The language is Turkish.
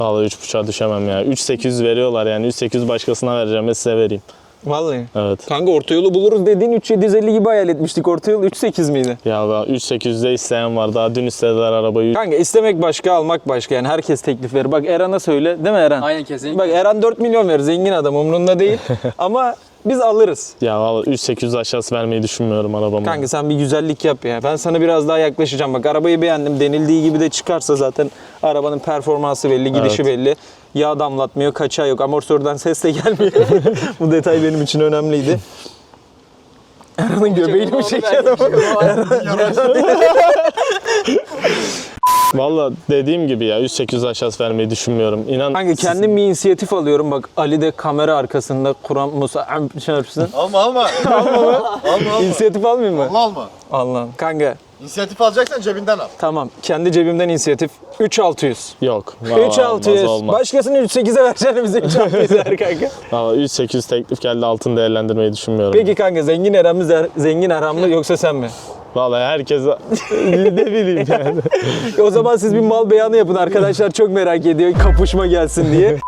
Vallahi 3.5'a düşemem ya. 3.800 veriyorlar yani. 3.800 başkasına vereceğim ve size vereyim. Vallahi. Evet. Kanka orta yolu buluruz dediğin 3.750 gibi hayal etmiştik. Orta yol 3.8 miydi? Ya 3.800'de isteyen var. Daha dün istediler arabayı. Kanka istemek başka, almak başka. Yani herkes teklif verir. Bak Eran'a söyle. Değil mi Eren? Aynen kesinlikle. Bak Eren 4 milyon verir. Zengin adam, umrunda değil. Ama biz alırız. Ya vallahi 3.800 aşağısı vermeyi düşünmüyorum arabama. Kanka sen bir güzellik yap ya. Ben sana biraz daha yaklaşacağım. Bak arabayı beğendim. Denildiği gibi de çıkarsa zaten arabanın performansı belli, gidişi belli. Yağ damlatmıyor, kaçağı yok. Amortisörden ses de gelmiyor. Bu detay benim için önemliydi. Eran'ın göbeğini mi çekiyor? Vallahi dediğim gibi ya 3.800 aşağısı vermeyi düşünmüyorum. İnan. Kanka kendim bir inisiyatif alıyorum. Bak Ali de kamera arkasında Kur'an Musa çarpsın. Alma. Alma. İnisiyatif almayayım mı? Alma. Allah'ım. Kanka İnisiyatif alacaksan cebinden al. tamam. Kendi cebimden inisiyatif. 3600. Yok. Vallahi 3600. olmaz. Başkasını 3.8'e vereceğini bize 3600 ver kanka. Vallahi 3.800 teklif geldi, altını değerlendirmeyi düşünmüyorum. Peki kanka zengin Eren mi zengin Eren mi yoksa sen mi? Vallahi herkes ne bileyim yani. O zaman siz bir mal beyanı yapın, arkadaşlar çok merak ediyor kapışma gelsin diye.